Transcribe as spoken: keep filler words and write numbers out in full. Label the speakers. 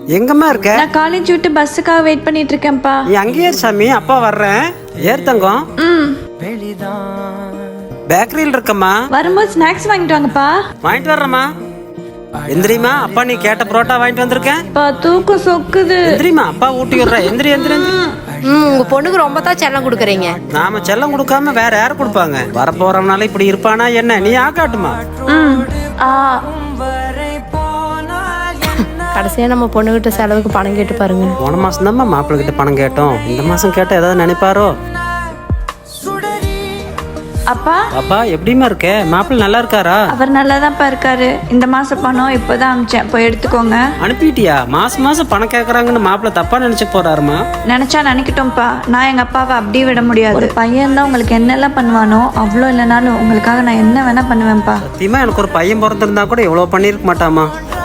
Speaker 1: எங்கம்மா இருக்க?
Speaker 2: நான் காலேஜ் விட்டு பஸ்ஸுக்காக வெயிட் பண்ணிட்டு இருக்கேன்ப்பா.
Speaker 1: நீ அங்கேயே சாமி, அப்பா வர்றேன். ஏர் தங்கம்.
Speaker 2: ம்.
Speaker 1: பேக்கரியில் இருக்கம்மா.
Speaker 2: வரும்போது ஸ்நாக்ஸ் வாங்கிட்டு வாங்கப்பா.
Speaker 1: வாங்கிட்டு வர்றேம்மா. எந்திரிமா, அப்பா நீ கேட்ட புரோட்டா வாங்கிட்டு வந்திருக்கேன்.
Speaker 2: பா தூக்கம் சொக்குது.
Speaker 1: எந்திரிமா, அப்பா ஊட்டி விடுறேன். எந்திரி எந்திரி எந்திரி.
Speaker 3: ம் உங்க பொண்ணுக்கு ரொம்ப தான் செல்லம் கொடுக்குறீங்க.
Speaker 1: நாம செல்லம் கொடுக்காம வேற யாரு கொடுப்பாங்க? வரப்போறவனால இப்படி இருப்பானா என்ன? நீ ஆக்காட்டுமா.
Speaker 2: ம். ஆ
Speaker 3: கடைசியா நம்ம பொண்ணுகிட்ட செலவுக்கு பணம் கேட்டு பாருங்க.
Speaker 1: போன மாசம் தான் மாப்பிள்ளை கிட்ட பணம் கேட்டோம். இந்த மாசம் கேட்டா ஏதாவது நினைப்பாரோ?
Speaker 2: அப்பா
Speaker 1: அப்பா எப்படிமா இருக்க? மாப்பிள்ளை நல்லா இருக்காரா?
Speaker 2: அவர் நல்லாதான்ப்பா இருக்காரு. இந்த மாசம் பணம் இப்பதான் அமிச்சேன், போய் எடுத்துக்கோங்க.
Speaker 1: அனுப்பிட்டியா? மாசம் மாசம் பணம் கேக்குறாங்கன்னு மாப்பிள்ளை தப்பா நினைச்சு போறாருமா.
Speaker 2: நினைச்சா நினைக்கட்டும்ப்பா, நான் எங்க அப்பாவை அப்படியே விட முடியாது. ஒரு பையன் தான் உங்களுக்கு என்னெல்லாம் பண்ணுவானோ அவ்வளோ இல்லைனாலும் உங்களுக்காக நான் என்ன வேணா பண்ணுவேன்ப்பா.
Speaker 1: சத்தியமா எனக்கு ஒரு பையன் பிறந்திருந்தா கூட இவ்வளவு பண்ணிருக்க மாட்டாமா.